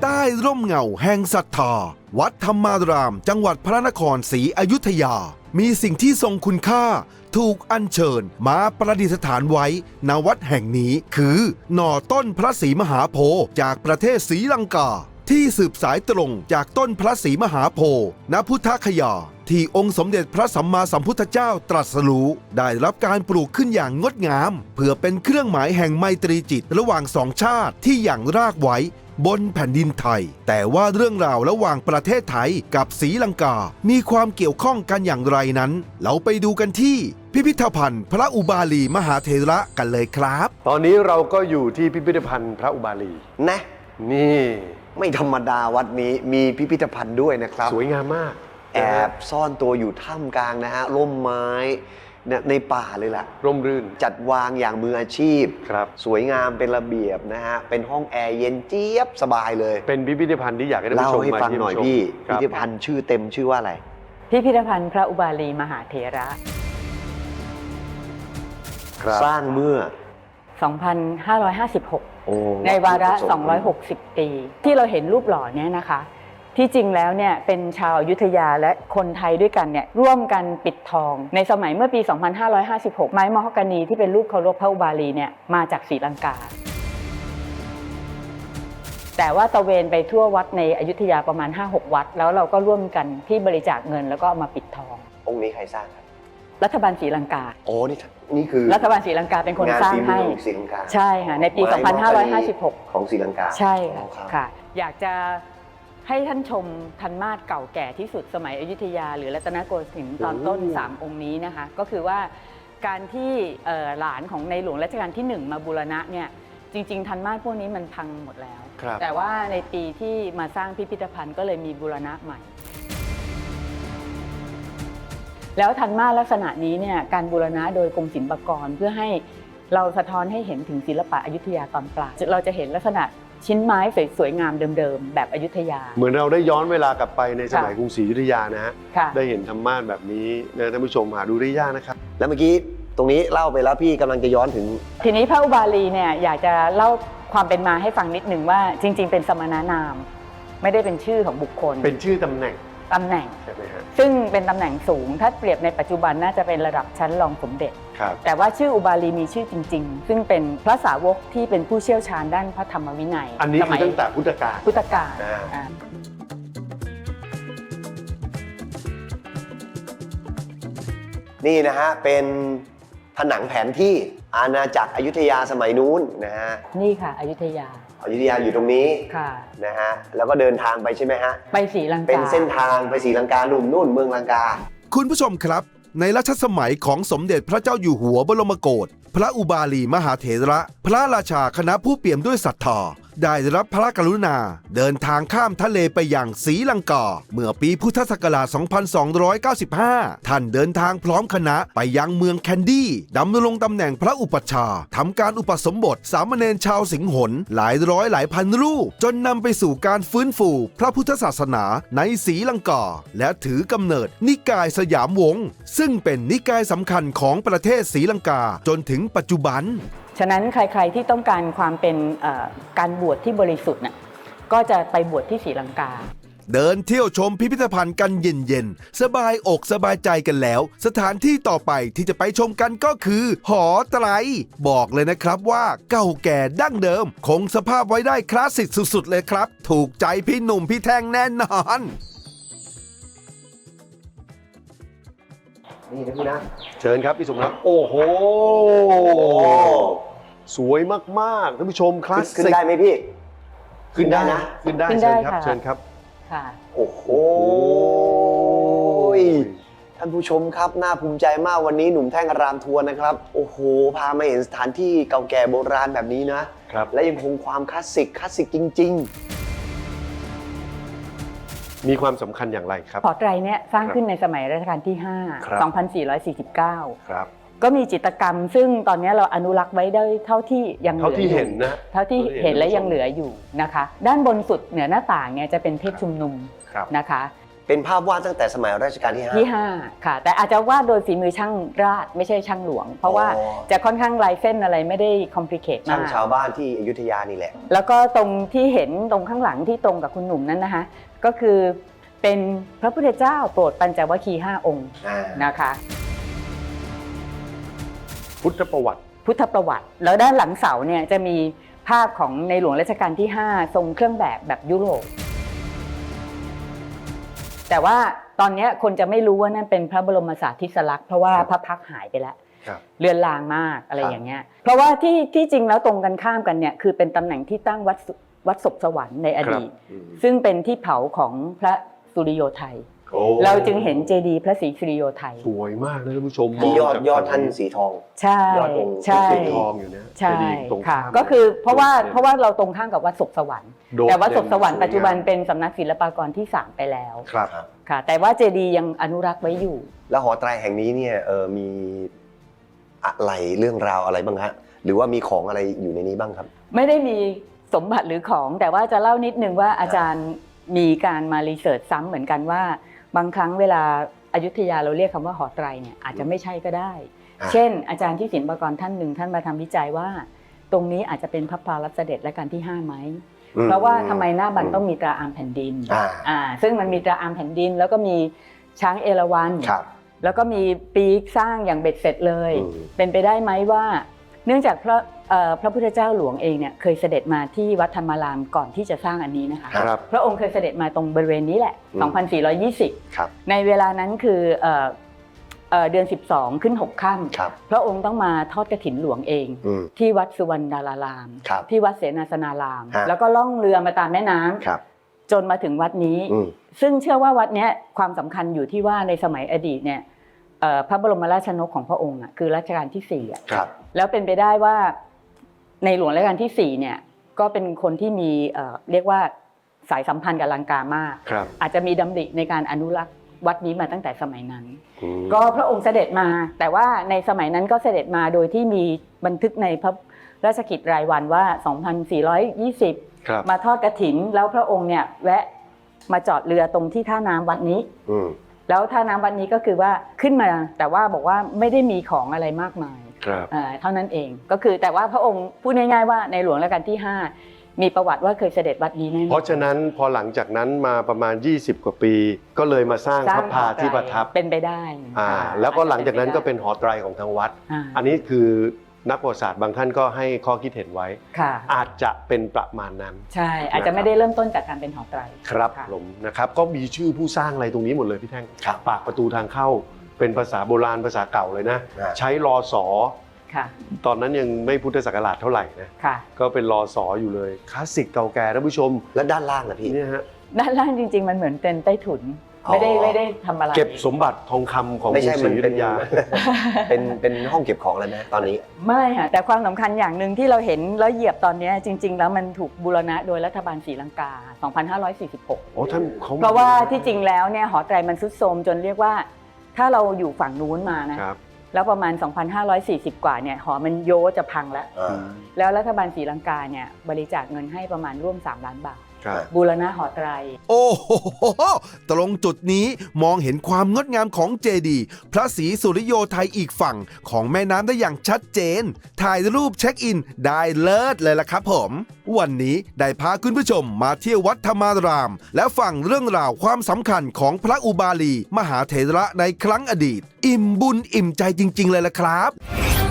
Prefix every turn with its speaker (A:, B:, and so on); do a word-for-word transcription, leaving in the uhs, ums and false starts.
A: ใต้ร่มเงาแห่งศรัทธาวัดธรรมารามจังหวัดพระนครศรีอยุธยามีสิ่งที่ทรงคุณค่าถูกอัญเชิญมาประดิษฐานไว้ณวัดแห่งนี้คือหน่อต้นพระศรีมหาโพธิ์จากประเทศศรีลังกาที่สืบสายตรงจากต้นพระศรีมหาโพธิ์ณพุทธคยาที่องค์สมเด็จพระสัมมาสัมพุทธเจ้าตรัสรู้ได้รับการปลูกขึ้นอย่างงดงามเพื่อเป็นเครื่องหมายแห่งไมตรีจิตระหว่างสองชาติที่อย่างรากไว้บนแผ่นดินไทยแต่ว่าเรื่องราวระหว่างประเทศไทยกับศรีลังกามีความเกี่ยวข้องกันอย่างไรนั้นเราไปดูกันที่พิพิธภัณฑ์พระอุบาลีมหาเถระกันเลยครับ
B: ตอนนี้เราก็อยู่ที่พิพิธภัณฑ์พระอุบาลี
C: นะ
B: นี่
C: ไม่ธรรมดาวัดนี้มีพิพิธภัณฑ์ด้วยนะครับ
B: สวยงามมาก
C: แอบซ่อนตัวอยู่ท่ามกลางนะฮะร่มไม้ในป่าเลยแหละ
B: ร่มรื่น
C: จัดวางอย่างมืออาชีพ
B: ครับ
C: สวยงามเป็นระเบียบนะฮะเป็นห้องแอร์เย็นเจี๊ยบสบายเลย
B: เป็นพิพิธภัณฑ์ที่อยากให้ท่านผู้ชมมาเล่าให้
C: ฟังหน่อยพี่พิพิธภัณฑ์ชื่อเต็มชื่อว่าอะไร
D: พิพิธภัณฑ์พระอุบาลีมหาเถระ
C: สร้างเมื่อ
D: สองพันห้าร้อยห้าสิบหก ในวาระสองร้อยหกสิบปีที่เราเห็นรูปหล่อเนี่ยนะคะที่จริงแล้วเนี่ยเป็นชาวอยุธยาและคนไทยด้วยกันเนี่ยร่วมกันปิดทองในสมัยเมื่อปี สองพันห้าร้อยห้าสิบหก ไม้มะฮอกกานีที่เป็นรูปเคารพพระอุบาลีเนี่ยมาจากศรีลังกาแต่ว่าตะเวนไปทั่ววัดในอยุธยาประมาณ ห้าหก วัดแล้วเราก็ร่วมกันที่บริจาคเงินแล้วก็เอามาปิดทอง
C: องค์นี้ใครสร้างครับ
D: รัฐบาลศรีลังกา
C: โอ้นี่นี่คือ
D: รัฐบาลศรีลังกาเป็นคนสร้างให้ใช่ค่ะในปี สองพันห้าร้อยห้าสิบหก
C: ของศรีลังกา
D: ใช่ค่ะอยากจะให้ท่านชมทันมาศเก่าแก่ที่สุดสมัยอยุธยาหรือรัตนโกสินทร์ตอนต้นสามองค์นี้นะคะก็คือว่าการที่หลานของในหลวงรัชกาลที่หนึ่งมาบูรณะเนี่ยจริงๆทันมาศพวกนี้มันพังหมดแล้วแต่ว่าในปีที่มาสร้างพิพิธภัณฑ์ก็เลยมีบูรณะใหม่แล้วทันมาศลักษณะนี้เนี่ยการบูรณะโดยกรมศิลปากรเพื่อให้เราสะท้อนให้เห็นถึงศิลปะอยุธยาตอนปลายเราจะเห็นลักษณะชิ้นไม้สวยๆงามเดิมๆแบบอยุธยา
B: เหมือนเราได้ย้อนเวลากลับไปในสมัยกรุงศรีอยุธยานะฮะได้เห็นธรรมาสแบบนี้นะท่านผู้ชมหาดูได้ยากนะครับ
C: แล้วเมื่อกี้ตรงนี้เล่าไปแล้วพี่กำลังจะย้อนถึง
D: ทีนี้พระอุบาลีเนี่ยอยากจะเล่าความเป็นมาให้ฟังนิดนึงว่าจริงๆเป็นสมณนามไม่ได้เป็นชื่อของบุคคล
B: เป็นชื่อตำแหน่ง
D: ตำแหน่งซึ่งเป็นตำแหน่งสูงถ้าเปรียบในปัจจุบันน่าจะเป็นระดับชั้นรองสมเด็จแต่ว่าชื่ออุบาลีมีชื่อจริงๆซึ่งเป็นพระสาวกที่เป็นผู้เชี่ยวชาญด้านพระธรรมวินัย
B: อันนี้คือตั้งแต่พุทธกาล
D: พุทธกาล
C: นี่นะฮะเป็นผนังแผนที่อาณาจักรอยุธยาสมัยนู้นนะฮะ
D: นี่ค่ะอยุธยา
C: อยุธยาอยู่ตรงนี้นะฮะแล้วก็เดินทางไปใช่ไหมฮะ
D: ไปศรีลังกา
C: เป็นเส้นทางไปศรีลังกาหนุ่มนู่นเมืองลังกา
A: คุณผู้ชมครับในรัชสมัยของสมเด็จพระเจ้าอยู่หัวบรมโกศพระอุบาลีมหาเถระพระราชาคณะผู้เปี่ยมด้วยศรัทธาได้รับพระกรุณาเดินทางข้ามทะเลไปยังศรีลังกาเมื่อปีพุทธศักราช สองพันสองร้อยเก้าสิบห้า ท่านเดินทางพร้อมคณะไปยังเมืองแคนดี้ดำรงตำแหน่งพระอุปัชฌาย์ทำการอุปสมบทสามเณรชาวสิงหนหลายร้อยหลายพันรูปจนนำไปสู่การฟื้นฟูพระพุทธศาสนาในศรีลังกาและถือกำเนิดนิกายสยามวงศ์ซึ่งเป็นนิกายสำคัญของประเทศศรีลังกาจนถึงปัจจุบัน
D: ฉะนั้นใครๆที่ต้องการความเป็นการบวชที่บริสุทธิ์น่ะก็จะไปบวชที่ศรีลังกา
A: เดินเที่ยวชมพิพิธภัณฑ์กันเย็นๆสบายอกสบายใจกันแล้วสถานที่ต่อไปที่จะไปชมกันก็คือหอไตรบอกเลยนะครับว่าเก่าแก่ดั้งเดิมคงสภาพไว้ได้คลาสสิกสุดๆเลยครับถูกใจพี่หนุ่มพี่แท่งแน่นอน
C: นี่นะพี่นะ
B: เชิญครับพี่สมรักโอ้โหสวยมากๆท่านผู้ชมคลาสสิก
C: ขึ้นได้ไหมพี่
B: ขึ้นได้นะขึ้นได้เชิญครับเชิญครับ
D: ค่ะ
C: โอ้โหท่านผู้ชมครับน่าภูมิใจมากวันนี้หนุ่มแท่งอารามทัวร์นะครับโอ้โหพามาเห็นสถานที่เก่าแก่โบราณแบบนี้นะครับและยังคงความคลาสสิกคลาสสิกจริง
B: ๆมีความสำคัญอย่างไรครับ
D: หอไตรเนี่ยสร้างขึ้นในสมัยรัชกาลที่ห้า สองพันสี่ร้อยสี่สิบเก้า
B: ครับ
D: ก็มีจิตรกรรมซึ่งตอนนี้เราอนุรักษ์ไว้ได้เท่าที่ยังเหลืออยู่เท่าที่เห็นและยังเหลืออยู่นะคะด้านบนสุดเหนือหน้าต่างเนี่ยจะเป็นเทพชุมนุมนะคะ
C: เป็นภาพวาดตั้งแต่สมัยรัชกาลที่ห้า
D: ที่ห้าค่ะ แต่อาจจะวาดโดยฝีมือช่างราษฎร์ไม่ใช่ช่างหลวง เพราะว่า
C: อ๋อ
D: จะค่อนข้างลายเส้นอะไรไม่ได้คอมพลีเคท
C: ช่าม
D: าง ก
C: ชาวบ้านที่อยุธยานี่แหละ
D: แล้วก็ตรงที่เห็นตรงข้างหลังที่ตรงกับคุณหนุ่มนั้นนะคะก็คือเป็นพระพุทธเจ้าโปรดปัญจวัคคีย์ห้าองค์
C: อ่า
D: นะคะ
B: พุทธประวัติ
D: พุทธประวัติ แล้วด้านหลังเสาเนี่ยจะมีภาพของในหลวงรัชกาลที่ห้าทรงเครื่องแบบแบบยุโรปแต่ว่าตอนนี้คนจะไม่รู้ว่านั่นเป็นพระบรมสารีริลักษณ์เพราะว่าพระพักตร์หายไปแล้ว
B: ครับ
D: เลือนลางมากอะไร
C: ครับ
D: อย่างเงี้ยเพราะว่าที่ที่จริงแล้วตรงกันข้ามกันเนี่ยคือเป็นตำแหน่งที่ตั้งวัดสุวัดศพสวรรค์ในอดีต
B: อืม
D: ซึ่งเป็นที่เผาของพระสุริโยไทย
B: โอ้
D: เราจึงเห็นเจดีย์พระศรีสุริโยไทย
B: สวยมากนะท่านผู้ชม
C: ที่ยอด
B: มงจาก
C: ยอดท่านสีทอง
D: ใช่
C: ยอดองค์
D: ใช่
B: สีทองอยู่เนี่ย
D: ใช่
B: เจดีย์ตรง
D: ค่ะ
B: ข้าม
D: ก็คือเพราะว่า
B: โดดเด่น
D: เพราะว่าเราตรงข้ามกับวัดศพสวรรค์
B: โดด
D: แต่วัดศพสวรรค์
B: เด่น
D: ปัจจุบัน
B: สวยงาม
D: เป็นสำนักศิลปากรที่สามไปแล้ว
B: ครับ
D: ค่ะ แต่ว่าเจดีย์ยังอนุรักษ์ไว้อยู่
C: แล้วหอไตรแห่งนี้เนี่ยเออมีอะไรเรื่องราวอะไรบ้างฮะหรือว่ามีของอะไรอยู่ในนี้บ้างครับ
D: ไม่ได้มีสมบัติหรือของแต่ว่าจะเล่านิดนึงว่าอาจารย์มีการมารีเสิร์ชซ้ำเหมือนกันว่าบางครั้งเวลาอยุธยาเราเรียกคำว่าหอไตรเนี่ยอาจจะไม่ใช่ก็ได้
C: อ่า
D: เช่น อาจารย์ที่ศิลปากรท่านหนึ่งท่านมาทำวิจัยว่า ตรงนี้อาจจะเป็นพระพารัสเสด็จและการที่ห้าไหม
C: อืม
D: เพราะว่าทำไมหน้าบันต้องมีตราอามแผ่นดิน
C: อ่า
D: อ่าซึ่งมันมีตราอามแผ่นดิน แล้วก็มีช้างเอราวัณ
C: ครับ
D: แล้วก็มีปีกสร้างอย่างเบ็ดเสร็จเลย
C: อืม
D: เป็นไปได้ไหมว่า เนื่องจากพระเอ่อพระพุทธเจ้าหลวงเองเนี่ยเคยเสด็จมาที่วัดธรรมารามก่อนที่จะสร้างอันนี้นะคะ
B: ครับ
D: พระองค์เคยเสด็จมาตรงบริเวณนี้แหละ
C: อืม
D: สองพันสี่ร้อยยี่สิบ
C: ครับ
D: ในเวลานั้นคือเอ่อเอ่อเดือนสิบสองขึ้นหกค่
C: ครับ
D: ำพระองค์ต้องมาทอดกฐินหลวงเอง
C: อืม
D: ที่วัดสุวรรณดาราราม
C: ครับ
D: ที่วัดเสนาสนาราม
C: ฮะ
D: แล้วก็ล่องเรือมาตามแม่น้ำ
C: ครับ
D: จนมาถึงวัดนี้
C: อืม
D: ซึ่งเชื่อว่าวัดเนี้ยความสำคัญอยู่ที่ว่าในสมัยอดีตเนี่ยเอ่อพระบรมราชชนกของพระองค์อ่ะคือรัชกาลที่สี่อ่ะ
C: ครับ
D: แล้วเป็นไปได้ว่าในหลวงรัชกาลที่สี่เนี่ยก็เป็นคนที่มีเอ่อเรียกว่าสายสัมพันธ์กับลังกามาก
B: ครับ
D: อาจจะมีดำริในการอนุรักษ์วัดนี้มาตั้งแต่สมัยนั้น
B: อืม
D: ก็พระองค์เสด็จมา แต่ว่าในสมัยนั้นก็เสด็จมาโดยที่มีบันทึกในพระราชกิจรายวันว่า สองพันสี่ร้อยยี่สิบ
B: ครับ
D: มาทอดกฐินแล้วพระองค์เนี่ยแวะมาจอดเรือตรงที่ท่าน้ำวัดนี้
C: อืม
D: แล้วท่าน้ำวัดนี้ก็คือว่าขึ้นมาแต่ว่าบอกว่าไม่ได้มีของอะไรมากมาย
B: ครับ
D: เอ่อเท่านั้นเองก็คือแต่ว่าพระองค์พูดง่ายๆว่าในหลวงรัชกาลที่ห้ามีประวัติว่าเคยเสด็จวัดนี้แน่ๆ
B: เพราะฉะนั้นพอหลังจากนั้นมาประมาณ ยี่สิบ กว่าปี ก็เลยมาสร้าง
D: สร้
B: พระพาที่ประทับ
D: เป็นไปได้
B: อ่า
D: อ่า
B: แล้วก็หลังจากนั้นก็
D: อาจจะ
B: เป็นหอไตรของทางวัด
D: อ่า
B: อันนี้คือนักประวัติศาสตร์บางท่านก็ให้ข้อคิดเห็นไว้
D: ค่ะ
B: อาจจะเป็นประมาณนั้น
D: ใช่อาจจะไม่ได้เริ่มต้นจากการเป็นหอไตร
B: ครับ
D: ค่ะ
B: ผมนะครับก็มีชื่อผู้สร้างอะไรตรงนี้หมดเลยพี่แท่ง
C: ครับ
B: ปากประตูทางเข้าเป็นภาษาโบราณภาษาเก่าเลยนะ
C: อ่า
B: ใช้รอสอ
D: ค่ะ
B: ตอนนั้นยังไม่พุทธศักราชเท่าไหร่นะ
D: ค่ะ
B: ก็เป็นรอสออยู่เลยคลาสสิกเก่าแก่ท่านผู้ชม
C: แล้วด้านล่างนะพี่
B: เนี่ยฮะ
D: ด้านล่างจริง ๆ มันเหมือนเป็นใต้ถุน
C: อ๋อ
D: ไม่ได้ไม่ได้ทำอะไร
B: เก็บสมบัติทองคำของก
C: ไม่
B: รุง
C: ใช่
B: ศ
C: มั
B: รี
C: น
B: อยุ
C: เป็
B: ธ
C: น
B: ยา
C: เป็นเป็นห้องเก็บของเลยไหมตอนนี้
D: ไม่ค่ะแต่ความสำคัญอย่างหนึ่งที่เราเห็นแล้วเหยียบตอนเนี้ยจริง ๆ แล้วมันถูกบูรณะโดยรัฐบาลศรีลังกา สองพันห้าร้อยสี่สิบหก
B: โอ้ท่านเขา
D: เพราะว่าที่จริงแล้วเนี่ยหอไตรมันทรุดโทรมจนเรียกว่า ถ้าเราอยู่ฝั่งนู้นมานะครับ แล้วประมาณ สองพันห้าร้อยสี่สิบ กว่าเนี่ยหอมันโยจะพังแล้ว
C: อ่า
D: แล้วรัฐบาลศรีลังกาเนี่ยบริจาคเงินให้ประมาณร่วมสามล้านบาท
B: ครับ
D: บูรณะหอไตร
A: โอ้โห ตรงจุดนี้มองเห็นความงดงามของเจดีย์พระศรีสุริโยไทยอีกฝั่งของแม่น้ำได้อย่างชัดเจน ถ่ายรูปเช็คอินได้เลิศเลยล่ะครับผม วันนี้ได้พาคุณผู้ชมมาเที่ยววัดธรรมาราม และฟังเรื่องราวความสำคัญของพระอุบาลี มหาเถระในครั้งอดีต อิ่มบุญอิ่มใจจริง ๆ เลยล่ะครับ
E: ท